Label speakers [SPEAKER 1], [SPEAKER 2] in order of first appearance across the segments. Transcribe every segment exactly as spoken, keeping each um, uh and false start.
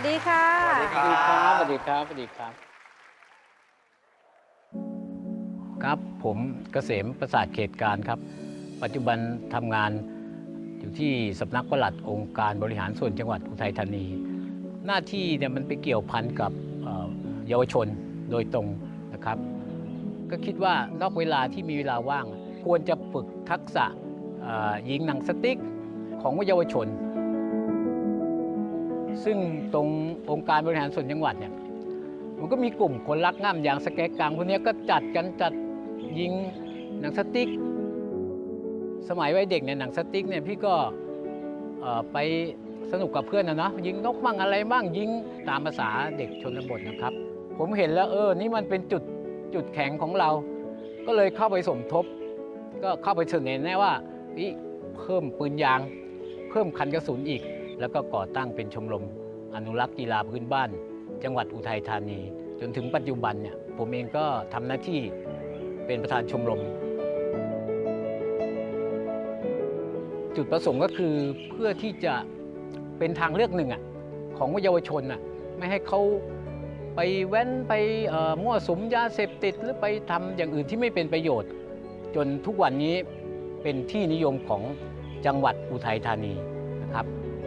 [SPEAKER 1] สดีค่ะ
[SPEAKER 2] สวัสดีครับ สวัสดีครับ สวัสดีครับ ครับ ผมเกษมประสาทเขตการครับ ปัจจุบันทำงานอยู่ที่สำนักปลัดองค์การบริหารส่วนจังหวัดอุทัยธานี หน้าที่เนี่ยมันไปเกี่ยวพันกับเยาวชนโดยตรงนะครับ ก็คิดว่านอกเวลาที่มีเวลาว่าง ควรจะฝึกทักษะยิงหนังสติ๊กของเยาวชน ซึ่งตรงองค์การบริหารส่วนจังหวัดเนี่ยมันก็มีกลุ่มคนรักง่ำอย่างสแกกังพวกนี้ก็จัดกันจัดยิงหนังสติ๊กสมัยวัยเด็กเนี่ยหนังสติ๊กเนี่ยพี่ก็ไปสนุกกับเพื่อนนะเนาะยิงนกมั่งอะไรมั่งยิงตามภาษาเด็กชนบทนะครับผมเห็นแล้วเออนี่มันเป็นจุดจุดแข็งของเราก็เลยเข้าไปสมทบก็เข้าไปเสนอแน่ว่าเพิ่มปืนยางเพิ่มคันกระสุนอีกแล้วก็ก่อตั้งเป็นชมรมอนุรักษ์กีฬาพื้นบ้านจังหวัดอุทัยธานีจนถึงปัจจุบันเนี่ยผมเองก็ทำหน้าที่เป็นประธานชมรมจุดประสงค์ก็คือเพื่อที่จะเป็นทางเลือกหนึ่งอ่ะของเยาวชนอ่ะไม่ให้เขาไปแว้นไปมั่วสุมยาเสพติดหรือไปทำอย่างอื่นที่ไม่เป็นประโยชน์จนทุกวันนี้เป็นที่นิยมของจังหวัดอุทัยธานีนะครับ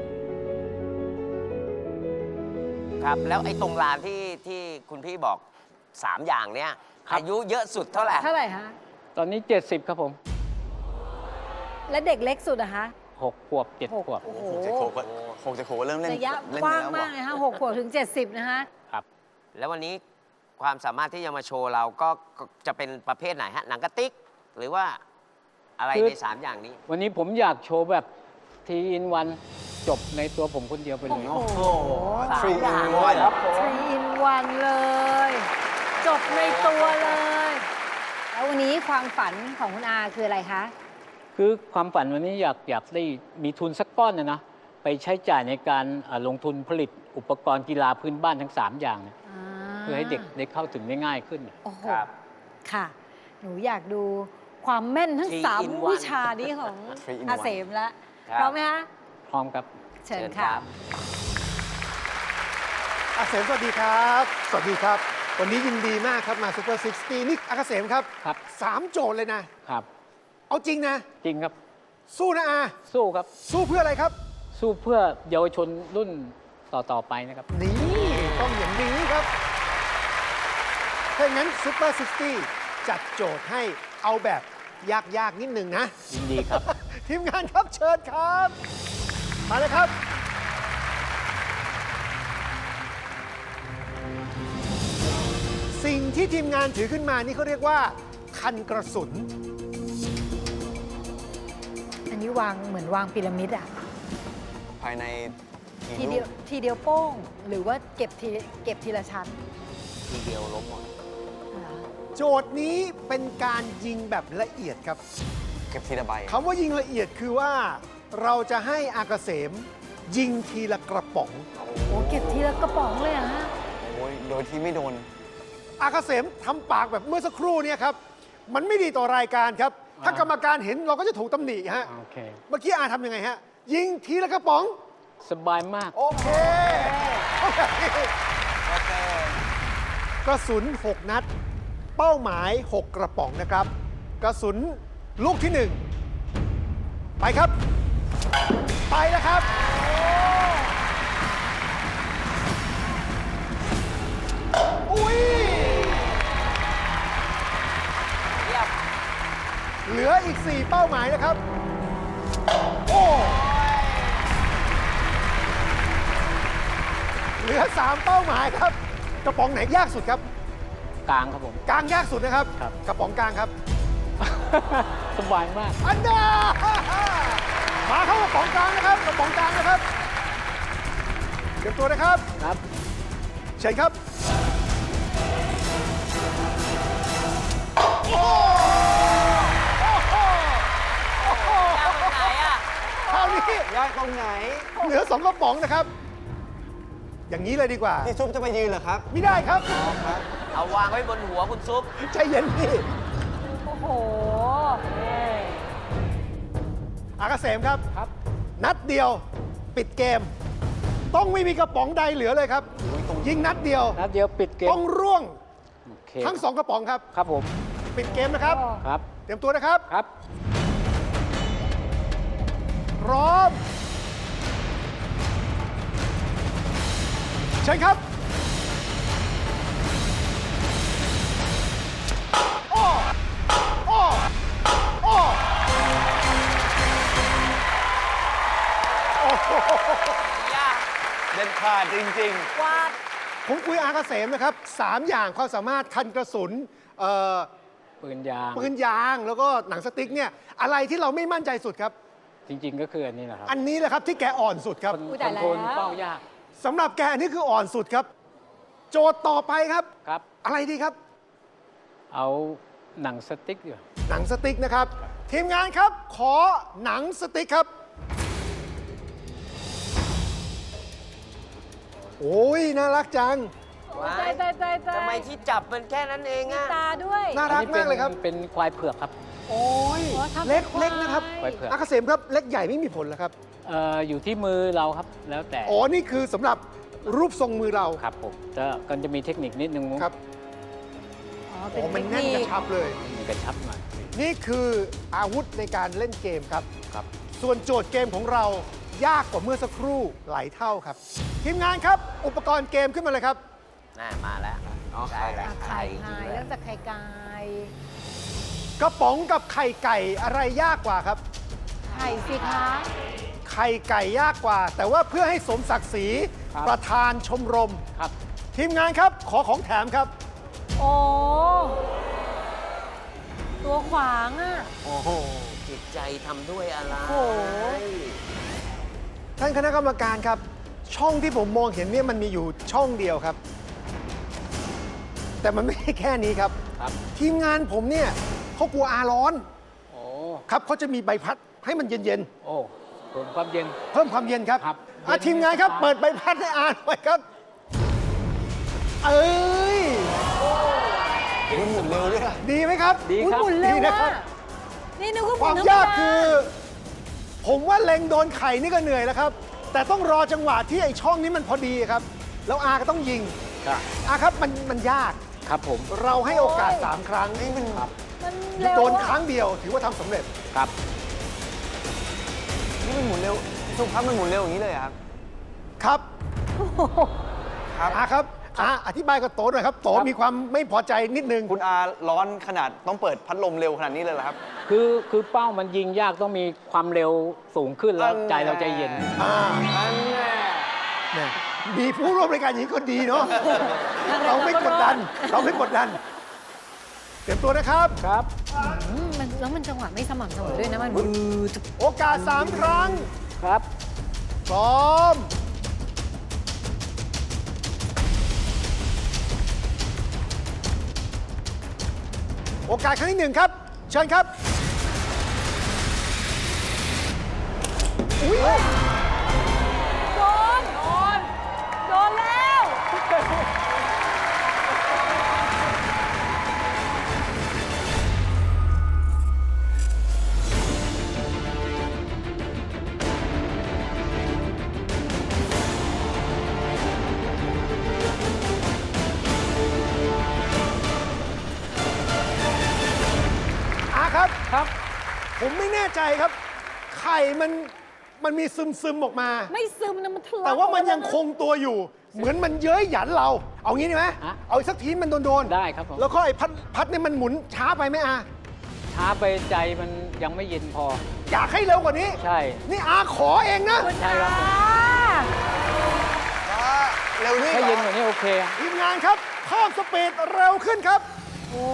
[SPEAKER 3] ครับแล้วไอ้ตรงลานที่ที่คุณพี่บอกสามอย่างเนี้ยอายุเยอะสุดเท่าไหร่
[SPEAKER 1] เท่าไหร่ฮะ
[SPEAKER 2] ตอนนี้เจ็ดสิบครับผม
[SPEAKER 1] และเด็กเล็กสุดอะคะ
[SPEAKER 2] หกขวบเจ็ดขวบ
[SPEAKER 1] โอ้โห
[SPEAKER 4] เจ็ดขวบก็หกเจ็ดขวบก็เริ่มเล่น
[SPEAKER 1] ระยะกว้างมากเลยฮะหกขวบถึงเจ็ดสิบนะฮะ
[SPEAKER 2] ครับ
[SPEAKER 3] แล้ววันนี้ความสามารถที่จะมาโชว์เราก็จะเป็นประเภทไหนฮะหนังกระติกหรือว่าอะไรในสามอย่างนี้
[SPEAKER 2] วันนี้ผมอยากโชว์แบบทีอินวันจบในตัวผมคนเดียวไปเลย
[SPEAKER 1] โอ้โห
[SPEAKER 3] สามอย่างเลยครับ
[SPEAKER 1] ทรีอินวันเลยจบในตัวเลยแล้ววันนี้ความฝันของคุณอาคืออะไรคะ
[SPEAKER 2] คือความฝันวันนี้อยากอยากได้มีทุนสักก้อนนะนะไปใช้จ่ายในการลงทุนผลิตอุปกรณ์กีฬาพื้นบ้านทั้งสามอย่างนะเพื่อให้เด็กได้เข้าถึงได้ง่ายขึ้น
[SPEAKER 1] โอ้โหค่ะหนูอยากดูความแม่นทั้งสามวิชานี้ของอาเสมแล้วพร้อมไหมคะ
[SPEAKER 2] พร้อมครับ
[SPEAKER 1] เชิญค่ะ
[SPEAKER 5] อาเสมสวัสดีครับสวัสดีครับวันนี้ยินดีมากครับมาซูเปอร์ซิกซ์ตี้นี่อาเสมครับ
[SPEAKER 2] ครับ
[SPEAKER 5] สามโจทย์เลยนะครับเอาจริงนะ
[SPEAKER 2] จริงครับ
[SPEAKER 5] สู้นะอา
[SPEAKER 2] สู้ครับ
[SPEAKER 5] สู้เพื่ออะไรครับ
[SPEAKER 2] สู้เพื่อเยาวชนรุ่นต่อๆไปนะครับ
[SPEAKER 5] นี่ต้องอย่างนี้ครับถ้างั้นซูเปอร์ซิกซ์ตี้จัดโจทย์ให้เอาแบบยากๆนิดนึงนะ
[SPEAKER 2] ยินดีครับ
[SPEAKER 5] ทีมงานครับเชิญครับมาเลยครับสิ่งที่ทีมงานถือขึ้นมานี่เขาเรียกว่าคันกระสุน
[SPEAKER 1] อันนี้วางเหมือนวางพีระมิดอะ
[SPEAKER 4] ภายใน
[SPEAKER 1] ทีเดียวทีเดียวโป้งหรือว่าเก็บทีเก็บทีละชั้น
[SPEAKER 3] ทีเดียวล้มหมด
[SPEAKER 5] โจทย์นี้เป็นการยิงแบบละเอียดครับ
[SPEAKER 4] เก็บทีละใบ
[SPEAKER 5] คำว่ายิงละเอียดคือว่าเราจะให้อากาเสมยิงทีละกระป๋อง
[SPEAKER 1] โอ้เก็บทีละกระป๋องเลยอะฮะ
[SPEAKER 4] โอ้ยโดยที่ไม่โดน
[SPEAKER 5] อากาเสมทำปากแบบเมื่อสักครู่นี้ครับมันไม่ดีต่อรายการครับถ้ากรรมการเห็นเราก็จะถูกตำหนิฮะ
[SPEAKER 2] โอเค
[SPEAKER 5] เมื่อกี้อาทำยังไงฮะยิงทีละกระป๋อง
[SPEAKER 2] สบายมาก
[SPEAKER 5] โอเคกระสุนหกนัดเป้าหมายหกกระป๋องนะครับกระสุนลูกที่หนึ่งไปครับไปแล้วครับอุ้ยเหลืออีกสี่เป้าหมายนะครับโอ้เหลือสามเป้าหมายครับกระป๋องไหนยากสุดครับ
[SPEAKER 2] กลางครับผม
[SPEAKER 5] กลางยากสุดนะครับกระป๋องกลางครับ
[SPEAKER 2] สบายมาก
[SPEAKER 5] อันดามาเข้ากระป๋องกลางนะครับกระป๋องกลางนะครับเตรียมตัวนะครับ
[SPEAKER 2] ครับ
[SPEAKER 5] เชิญครับโอ้
[SPEAKER 3] โหยากตรงไหนอะ
[SPEAKER 5] คราวนี้
[SPEAKER 4] ยากตรงไหน
[SPEAKER 5] เหลือสองกระป๋องนะครับอย่างนี้เลยดีกว่า
[SPEAKER 4] พี่ซุปจะไปยืนเหรอครับ
[SPEAKER 5] ไม่ได้ครับ
[SPEAKER 3] เอาวางไว้บนหัวคุณซุป
[SPEAKER 5] ใจเย็นพี่
[SPEAKER 1] โอ้โห
[SPEAKER 5] อากาเสมครับครับนัดเดียวปิดเกมต้องไม่มีกระป๋องใดเหลือเลยครับ ยิงนัดเดียว
[SPEAKER 2] นัดเดียวปิดเกม
[SPEAKER 5] ต้องร่วง
[SPEAKER 2] โอเค
[SPEAKER 5] ทั้งสองกระป๋องครับ
[SPEAKER 2] ครับผม
[SPEAKER 5] ปิดเกมนะครับ
[SPEAKER 2] ครับ
[SPEAKER 5] เตรียมตัวนะครับ
[SPEAKER 2] ครับ
[SPEAKER 5] พร้อมเชิญครับโอ้โอ้โอ้โอ้โห
[SPEAKER 4] เด็ดขาดจริง
[SPEAKER 1] วาด
[SPEAKER 5] ผมคุยอาเกษมนะครับสามอย่างความสามารถคันกระสุนเอ่อ
[SPEAKER 2] ปืนยาง
[SPEAKER 5] ปืนยางแล้วก็หนังสติ๊กเนี่ยอะไรที่เราไม่มั่นใจสุดครับ
[SPEAKER 2] จริง ๆ ก็คืออันนี้แหละครับ
[SPEAKER 5] อันนี้แหละครับที่แกอ่อนสุดครับ
[SPEAKER 2] คอน
[SPEAKER 1] อุ๊ย
[SPEAKER 2] ค
[SPEAKER 1] ตา
[SPEAKER 2] อย น
[SPEAKER 1] แล้ว
[SPEAKER 2] โทรลเป้ายาก
[SPEAKER 5] สำหรับแกอันนี้คืออ่อนสุดครับ โจทย์ต่อไปครับ
[SPEAKER 2] ครับ
[SPEAKER 5] อะไรดีครับ
[SPEAKER 2] เอาหนังสติ๊กอยู่
[SPEAKER 5] หนังสติ๊กนะครับ ทีมงานครับ ขอหนังสติ๊กครับ โอ้ยน่ารักจัง
[SPEAKER 3] ว้า
[SPEAKER 1] ใจ
[SPEAKER 3] ย
[SPEAKER 1] ใจใจใจ
[SPEAKER 3] ทำไมที่จับมันแค่นั้นเอง
[SPEAKER 1] มี
[SPEAKER 3] อะ
[SPEAKER 1] ตาด้วย
[SPEAKER 5] น่ารัก
[SPEAKER 2] อันนี้
[SPEAKER 5] มากเลยครับ
[SPEAKER 2] เป็นเป็นควายเผือกครับ
[SPEAKER 5] โอ้ย
[SPEAKER 1] อ๋อทำ
[SPEAKER 5] เล็ก
[SPEAKER 1] เป็นควาย
[SPEAKER 5] เล็กนะครับ
[SPEAKER 2] ควายเผือก
[SPEAKER 5] อาเกษมครับเล็กใหญ่ไม่มีผลแล้วครับ
[SPEAKER 2] เอ่ออยู่ที่มือเราครับ แล้วแต่
[SPEAKER 5] อ๋อนี่คือสำหรับรูปทรงมือเรา
[SPEAKER 2] ครับผมจะก็จะมีเทคนิคนิดนึง
[SPEAKER 5] ครับ
[SPEAKER 1] อ๋อ
[SPEAKER 5] อ๋
[SPEAKER 1] เป็น
[SPEAKER 5] อมัน
[SPEAKER 1] เทค
[SPEAKER 5] แน่น
[SPEAKER 1] นิ
[SPEAKER 5] กระ
[SPEAKER 1] ค
[SPEAKER 5] ชับเลย
[SPEAKER 2] มันกระชับหน่อย
[SPEAKER 5] นี่คืออาวุธในการเล่นเกมครับ
[SPEAKER 2] ครับ
[SPEAKER 5] ส่วนโจทย์เกมของเรายากกว่าเมื่อสักครู่หลายเท่าครับ ทีมงานครับ อุปกรณ์เกมขึ้นมาเลยครับ
[SPEAKER 3] น่ามาแล้ว
[SPEAKER 4] อ๋อ
[SPEAKER 3] ใช่แล้ว
[SPEAKER 1] อ่ะ
[SPEAKER 3] ไข่
[SPEAKER 1] ไข่
[SPEAKER 3] จริง
[SPEAKER 1] ไข่
[SPEAKER 3] ๆแล้
[SPEAKER 1] เริ่
[SPEAKER 3] ว
[SPEAKER 1] มจากไข่ไก่
[SPEAKER 5] กระป๋องกับไข่ไก่อะไรยากกว่าครับ
[SPEAKER 1] ไข่สิคะ
[SPEAKER 5] ไข่ไก่ยากกว่า แต่ว่าเพื่อให้สมศักดิ์ศรี
[SPEAKER 2] ครับ
[SPEAKER 5] ประธานชมรม
[SPEAKER 2] ครับ
[SPEAKER 5] ทีมงานครับขอของแถมครับ
[SPEAKER 1] โอ้ตัวขวางอ่ะ
[SPEAKER 3] โอ้โห จิตใจทำด้วยอะไร
[SPEAKER 1] โอ้โห
[SPEAKER 5] ท่านคณะกรรมการครับ ช่องที่ผมมองเห็นเนี่ยมันมีอยู่ช่องเดียวครับ แต่มันไม่ใช่แค่นี้ครับ
[SPEAKER 2] ครับ
[SPEAKER 5] ทีมงานผมเนี่ยเขากลัวอาร้อน
[SPEAKER 2] โอ้
[SPEAKER 5] ครับเขาจะมีใบพัดให้มันเย็น
[SPEAKER 2] โอ้เพิ่มความเย็น
[SPEAKER 5] ๆ เพิ่มความเย็นครับ
[SPEAKER 2] ครับ
[SPEAKER 5] อ่ะ
[SPEAKER 2] เย็น
[SPEAKER 5] ทีมงานครับ
[SPEAKER 2] สบาย
[SPEAKER 5] เปิดใบพัดให้อาหน่อยครับ เอ้ย
[SPEAKER 4] ๆคุณหมุนเร็วด้วยอะ
[SPEAKER 5] ดีไหมครับ
[SPEAKER 2] ดี
[SPEAKER 1] อุ๊ย
[SPEAKER 2] ครับ
[SPEAKER 1] หมุนเร็ว
[SPEAKER 5] ดีนะครั
[SPEAKER 1] อ่ะ
[SPEAKER 5] บ
[SPEAKER 1] นี่นึกว่าห
[SPEAKER 5] ค
[SPEAKER 1] มุ
[SPEAKER 5] วาน ม
[SPEAKER 1] ธรรม
[SPEAKER 5] ยาก
[SPEAKER 1] ดา
[SPEAKER 5] คือ ผมว่าเล็งโดนไข่นี่ก็เหนื่อยแล้วครับ แต่ต้องรอจังหวะที่ไอ้ช่องนี้มันพอดีครับ แล้วอาก็ต้องยิง
[SPEAKER 2] ครับ
[SPEAKER 5] อาครับมันมันยาก
[SPEAKER 2] ครับผม
[SPEAKER 5] เราให้โอกาส 3 ครั้งนี่มัน
[SPEAKER 2] ครับ
[SPEAKER 1] มันเร็ว
[SPEAKER 5] โดน
[SPEAKER 1] อะ
[SPEAKER 5] ครั้งเดียวถือว่าทำสำเร็จ
[SPEAKER 2] ครับ
[SPEAKER 4] นี่มันหมุนเร็วสุภาพมันหมุนเร็วอย่างนี้เลยเหรอครับ
[SPEAKER 5] ครับ
[SPEAKER 4] ครับ
[SPEAKER 5] อาครับอาอธิบายกับโตหน่อยครับโต
[SPEAKER 2] ครับ
[SPEAKER 5] มีความไม่พอใจนิดนึง
[SPEAKER 4] คุณอาร้อนขนาดต้องเปิดพัดลมเร็วขนาดนี้เลยเหรอครับ
[SPEAKER 2] คือคือเป้ามันยิงยากต้องมีความเร็วสูงขึ้นแล้ว
[SPEAKER 4] อัน
[SPEAKER 2] ใจเราใจเย็น
[SPEAKER 5] อ่า
[SPEAKER 4] อันแน่
[SPEAKER 5] เนี่ยมีผู้ร่วมรายการอย่างนี้ก็ดีเนาะ เราไม่กดดัน เราไม่กดดัน เตรียมตัวนะครับ
[SPEAKER 2] ครับ
[SPEAKER 1] อืมมันแล้วมันจังหวะไม่สม่ำเสมอด้วยนะ มัน
[SPEAKER 5] โอกาส 3 ครั้ง
[SPEAKER 2] ครับ
[SPEAKER 5] พร้อม โอกาสครั้งที่หนึ่งครับ เชิญครับ อุ้ย
[SPEAKER 1] โดน โดน โดนแล้ว
[SPEAKER 5] อาครับ
[SPEAKER 2] ครับ
[SPEAKER 5] ผมไม่แน่ใจครับ ไข่มันมันมีซึมซึมๆออกมา
[SPEAKER 1] ไม่ซึมนะมันทะลัก
[SPEAKER 5] แต่ว่ามัน
[SPEAKER 1] ออก
[SPEAKER 5] ยังคงตัวอยู่ เหมือนมันเย้ยหยันเรา เอางี้ดีไหม
[SPEAKER 2] ฮะ
[SPEAKER 5] เอาอีกสักทีมันโดนๆ
[SPEAKER 2] ได้ครับผม
[SPEAKER 5] แล้วก็ไอ้พัดพัดเนี่ยมันหมุนช้าไปไหมอา
[SPEAKER 2] ช้าไปใจมันยังไม่เย็นพอ
[SPEAKER 5] อยากให้เร็วกว่านี้
[SPEAKER 2] ใช่
[SPEAKER 5] นี่อาขอเองนะ
[SPEAKER 1] คุณ
[SPEAKER 2] ใช่ครับผม
[SPEAKER 1] อา
[SPEAKER 4] อ่าเร็วนี่
[SPEAKER 2] ถ้า
[SPEAKER 4] เหร
[SPEAKER 2] เย็น
[SPEAKER 4] อก
[SPEAKER 2] ว่านี้โอเค
[SPEAKER 5] ทีมงานครับเพิ่มสปีดเร็วขึ้นครับ
[SPEAKER 1] โอ้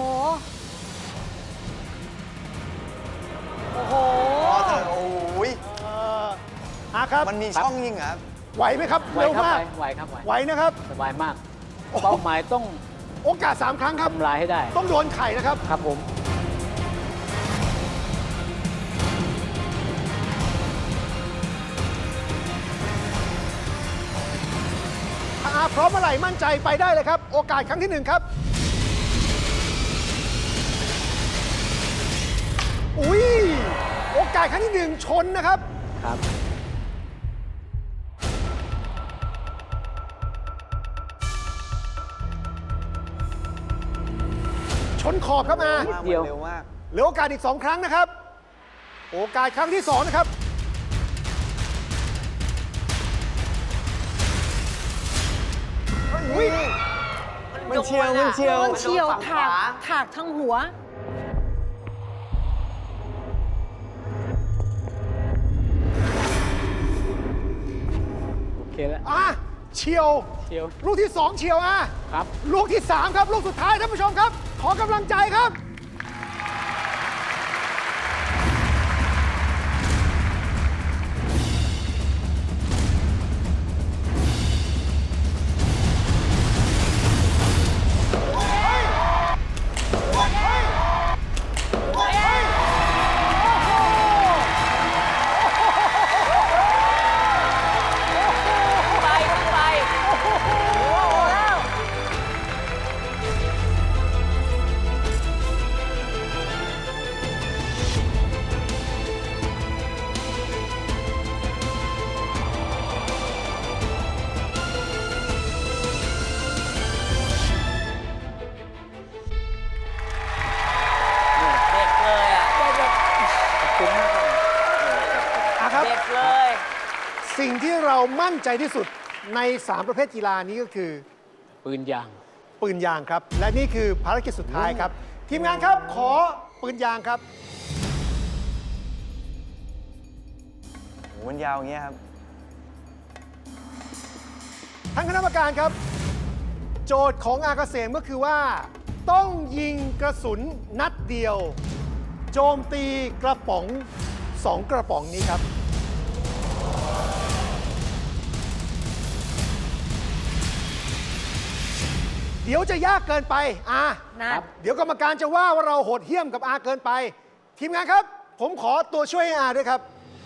[SPEAKER 1] โอ้โห
[SPEAKER 4] อ๋อแต่โอ้ย
[SPEAKER 5] เอ่ออาครับ
[SPEAKER 4] มันมีช่องยิงเหรอครับ
[SPEAKER 5] ไหวไหมครับ
[SPEAKER 2] ไหว
[SPEAKER 5] เร็ว
[SPEAKER 2] ครับ
[SPEAKER 5] มาก
[SPEAKER 2] ไหวไหวครับไหว
[SPEAKER 5] ไหวนะครับ
[SPEAKER 2] สบายมาก
[SPEAKER 5] โอ้โห
[SPEAKER 2] เป้าหมายต้อง
[SPEAKER 5] โอกาส 3 ครั้งครับ
[SPEAKER 2] ทำลายให้ได้
[SPEAKER 5] ต้องโดนไข่นะครับ
[SPEAKER 2] ครับผม
[SPEAKER 5] ถ้าอาพร้อมเมื่อไหร่มั่นใจไปได้เลยครับ โอกาสครั้งที่หนึ่งครับ อุ้ยโอกาสครั้งที่หนึ่งชนนะครับ
[SPEAKER 2] ครับ
[SPEAKER 5] นขอบครับอา
[SPEAKER 4] มากมันเร็วมาก
[SPEAKER 5] เหลือโอกาสอีกสองครั้งนะครับ โอกาสครั้งที่สองนะครับอุ๊ย
[SPEAKER 4] มันเชียวมันเชียว
[SPEAKER 1] โดนเฉียวถากถากทั้งหัว
[SPEAKER 2] โอเคแล้ว
[SPEAKER 5] อ่ะเฉียว
[SPEAKER 2] เชียว
[SPEAKER 5] ลูกที่สองเฉียวอ่ะ
[SPEAKER 2] ครับ
[SPEAKER 5] ลูกที่สามครับ ลูกสุดท้ายท่านผู้ชมครับ ขอกำลังใจครับ
[SPEAKER 3] ไปขึ้นไป เด็กเลยอ่ะ
[SPEAKER 5] อ่ะครับ
[SPEAKER 3] เด็กเลย
[SPEAKER 5] สิ่งที่เรามั่นใจที่สุดใน สาม ประเภทกีฬานี้ก็คือ
[SPEAKER 2] ปืนยาง
[SPEAKER 5] ปืนยางครับ และนี่คือภารกิจสุดท้ายครับ ทีมงานครับขอปืนยางครับ
[SPEAKER 4] โหมันยาวอย่างเงี้ยครับ
[SPEAKER 5] ท่านคณะกรรมการครับ โจทย์ของอาเกษมก็คือว่า ต้องยิงกระสุนนัดเดียว โจมตีกระป๋องสองกระป๋องนี้ครับ เดี๋ยวจะยากเกินไปอา
[SPEAKER 1] นะ
[SPEAKER 5] เดี๋ยวกรรมการจะว่าว่าเราโหดเหี้ยมกับอาเกินไป ทีมงานครับ ผมขอตัวช่วยให้อาด้วยครับ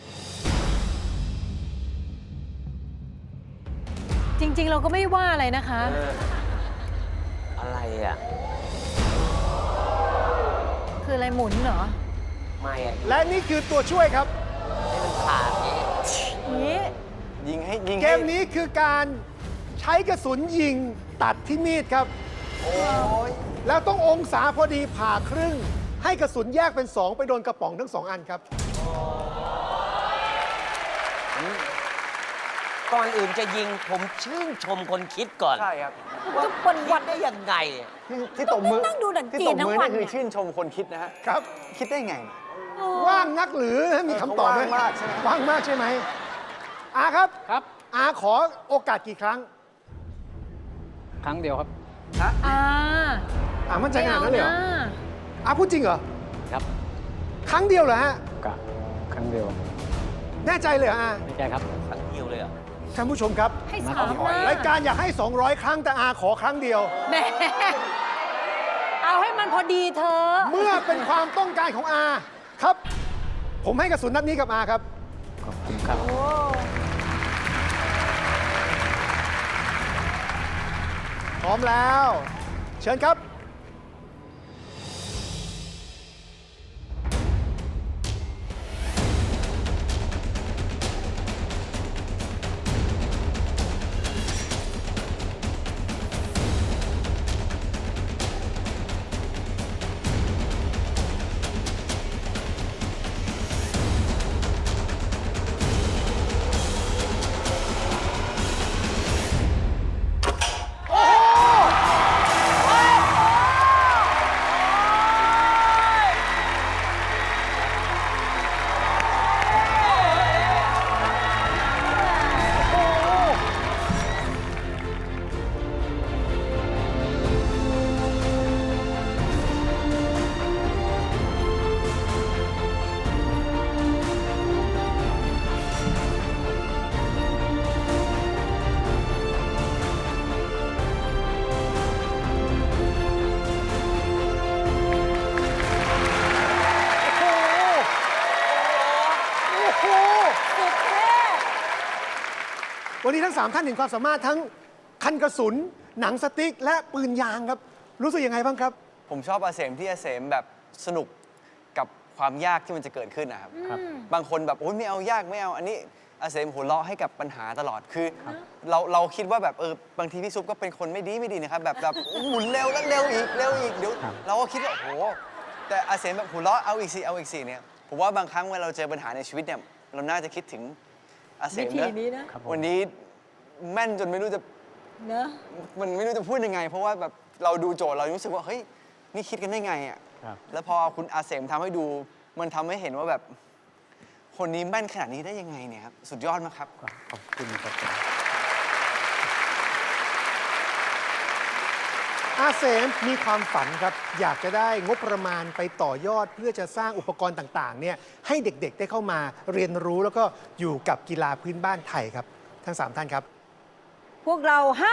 [SPEAKER 1] จริง ๆ เราก็ไม่ว่าอะไรนะคะ
[SPEAKER 3] อะไรอ่ะ
[SPEAKER 1] คืออะไรหมุนเหรอ
[SPEAKER 3] ไม่อ่ะ
[SPEAKER 5] และนี่คือตัวช่วยครับ
[SPEAKER 3] ให้มันขาดอย่างนี้
[SPEAKER 1] อย่างนี้
[SPEAKER 4] ยิงให้ยิง
[SPEAKER 5] เก
[SPEAKER 4] ให้
[SPEAKER 5] มนี้คือการใช้กระสุนยิงตัดที่มีดครับ แล้วต้ององศาพอดีผ่าครึ่ง ให้กระสุนแยกเป็นสองไปโดนกระป๋องทั้งสองอันครับ
[SPEAKER 3] ก่อนอื่นจะยิงผมชื่นชมคนคิดก่อน
[SPEAKER 4] ใช่ครับ
[SPEAKER 3] ว่าวันวันได้ยังไงอะ
[SPEAKER 4] ที่ที่ตบมือ
[SPEAKER 1] นั่งดูหนัง
[SPEAKER 4] ที่
[SPEAKER 1] จี
[SPEAKER 4] ต
[SPEAKER 1] น
[SPEAKER 4] บ
[SPEAKER 1] ทั้ง
[SPEAKER 4] มือ
[SPEAKER 1] วัน
[SPEAKER 4] นี่คือ
[SPEAKER 1] เนี่ย
[SPEAKER 4] ชื่นชมคนคิดนะฮะ
[SPEAKER 5] ครับ
[SPEAKER 4] คิดได้ไง
[SPEAKER 5] ว่างนักหรือมีคำตอบไหม
[SPEAKER 4] ว่างมากใช่ไหม
[SPEAKER 5] ว่างมากใช่ไหมอาครับ
[SPEAKER 2] ครับ
[SPEAKER 5] อาขอโอกาสกี่ครั้ง
[SPEAKER 2] ครั้งเดียวครับ
[SPEAKER 1] อ่า
[SPEAKER 5] อามั่นใจขนาดนั้นเลยเหรอ
[SPEAKER 1] ไม่อาะ
[SPEAKER 5] อาพูดจริงเหรอ
[SPEAKER 2] ครับ
[SPEAKER 5] ครั้งเดียวเหรอฮะ
[SPEAKER 2] กะครั้งเดียว
[SPEAKER 5] แน่ใจเลยเหรออา
[SPEAKER 2] ไม่ใช่ครับ
[SPEAKER 3] ครั้งเดียวเลยเหรอ่ะ
[SPEAKER 5] ท่านผู้ชมครับ
[SPEAKER 1] ให้สามนะ
[SPEAKER 5] รายการอยากให้ สองร้อย ครั้งแต่อาขอครั้งเดียว
[SPEAKER 1] แหม่เอาให้มันพอดีเธอะ
[SPEAKER 5] เมื่อเป็นความต้องการของอาครับ ผมให้กระสุนนัดนี้กับอาครับ
[SPEAKER 2] ขอบคุณครับ
[SPEAKER 1] โอ้
[SPEAKER 5] พร้อมแล้ว เชิญครับ วันนี้ทั้ง สาม ท่านเห็นความสามารถทั้งคันกระสุน หนังสติ๊ก และปืนยางครับ รู้สึกยังไงบ้างครับ
[SPEAKER 4] ผมชอบอาเสมที่อาเสมแบบสนุกกับความยากที่มันจะเกิดขึ้นนะครับ
[SPEAKER 2] ครับ
[SPEAKER 4] บางคนแบบโอ้ยไม่เอายากไม่เอา อันนี้อาเสมหัวเราะให้กับปัญหาตลอดคือเราเราคิดว่าแบบเออบางทีพี่ซุปก็เป็นคนไม่ดีไม่ดีนะครับแบบแบบหมุนเร็วแล้วเร็วอีกเร็วอีกเดี๋ยวเราก็คิดว่าโอ้โหแต่อาเสมแบบหัวเราะเอาอีกสิเอาอีกสิเนี่ยผมว่าบางครั้งเวลาเราเจอปัญหาในชีวิตเนี่ยเราน่าจะคิดถึงอาเส
[SPEAKER 1] วิ
[SPEAKER 4] ม
[SPEAKER 1] ธี
[SPEAKER 4] นะ
[SPEAKER 1] นี้นะ
[SPEAKER 4] วันนี้แม่นจนไม่รู้จะ
[SPEAKER 1] เนอะ
[SPEAKER 4] มันไม่รู้จะพูดยังไง เพราะว่าแบบเราดูโจทย์เรารู้สึกว่าเฮ้ยนี่คิดกันได้ไงอ่ะ
[SPEAKER 2] ครับ
[SPEAKER 4] แล้วพอคุณอาเสมทำให้ดูมันทำให้เห็นว่าแบบคนนี้แม่นขนาดนี้ได้ยังไงเนี่ยครับสุดยอดมากครับ
[SPEAKER 2] ขอบคุณครับ
[SPEAKER 5] อาเสมมีความฝันครับ อยากจะได้งบประมาณไปต่อยอดเพื่อจะสร้างอุปกรณ์ต่างๆเนี่ยให้เด็กๆได้เข้ามาเรียนรู้แล้วก็อยู่กับกีฬาพื้นบ้านไทยครับ ทั้งสามท่านครับ
[SPEAKER 1] พวกเราให้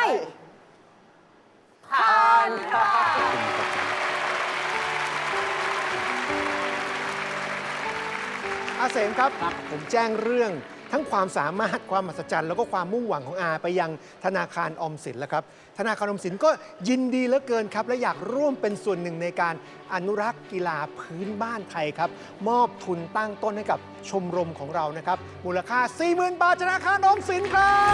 [SPEAKER 5] อาเสมครับ ผมแจ้งเรื่องทั้งความสามารถความมหัศจรรย์แล้วก็ความมุ่งหวังของอาไปยังธนาคารออมสินแล้วครับ ธนาคารออมสินก็ยินดีเหลือเกินครับ และอยากร่วมเป็นส่วนหนึ่งในการอนุรักษ์กีฬาพื้นบ้านไทยครับ มอบทุนตั้งต้นให้กับชมรมของเรานะครับ มูลค่า สี่หมื่น บาทธนาคารออมสินครับ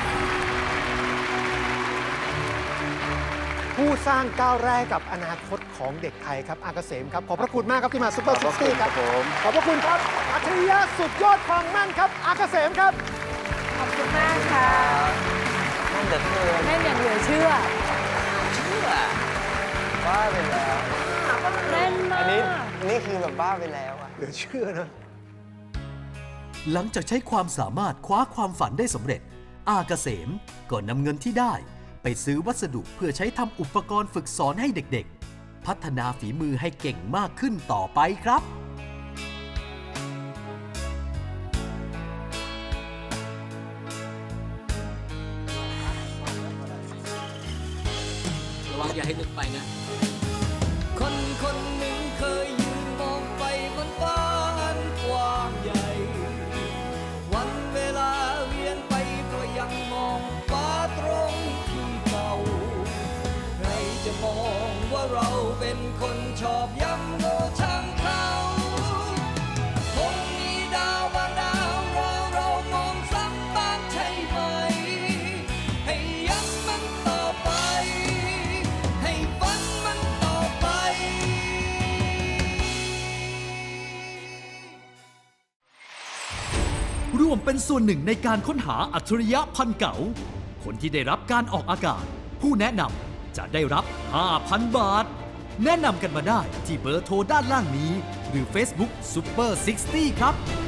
[SPEAKER 5] ผู้สร้างก้าวแรกกับอนาคตของเด็กไทยครับอาเกษมครับ ขอบพระคุณมากครับที่มาซุปเปอร์ซิกตี้ครับขอบพระคุณครับอัจฉริยะสุดยอดความแม่นครับอาเกษมครับ
[SPEAKER 1] ขอบคุณมากค่ะ
[SPEAKER 3] นั่นเดือดเกิน
[SPEAKER 1] แม่นอย่างเหลือเชื่อ
[SPEAKER 3] เชื่อ
[SPEAKER 4] บ้าไปแล้ว
[SPEAKER 1] แม่นมา
[SPEAKER 4] อันนี้
[SPEAKER 1] ก
[SPEAKER 4] นี่คือแบบบ้าไปแล้วอะ
[SPEAKER 5] เหลือเชื่อนะ
[SPEAKER 6] หลังจากใช้ความสามารถคว้าความฝันได้สำเร็จ อาเกษมก็นำเงินที่ได้ไปซื้อวัสดุเพื่อใช้ทำอุปกรณ์ฝึกสอนให้เด็กๆ พัฒนาฝีมือให้เก่งมากขึ้นต่อไปครับ
[SPEAKER 2] ระวังอย่าให้ลึกไปนะ
[SPEAKER 7] คนคนหนึ่งเคยยืนมองไปบนฟ้าอันกว้างใหญ่ วันเวลาเวียนไปก็ยังมองฟ้าตรงที่เก่า ใครจะมองว่าเราเป็นคนชอบย้ำโง่ช่างเขาคงมีดาวบางดาวรอเรามองซ้ำบ้างใช่ไหม ให้ย้ำมันต่อไป ให้ฝันมันต่อไป
[SPEAKER 6] ร่วมเป็นส่วนหนึ่งในการค้นหาอัจฉริยะพันเก๋าคนที่ได้รับการออกอากาศ ผู้แนะนำจะได้รับ ห้าพัน บาท แนะนำกันมาได้ที่เบอร์โทรด้านล่างนี้ หรือ Facebook Super ซิกสตี้ ครับ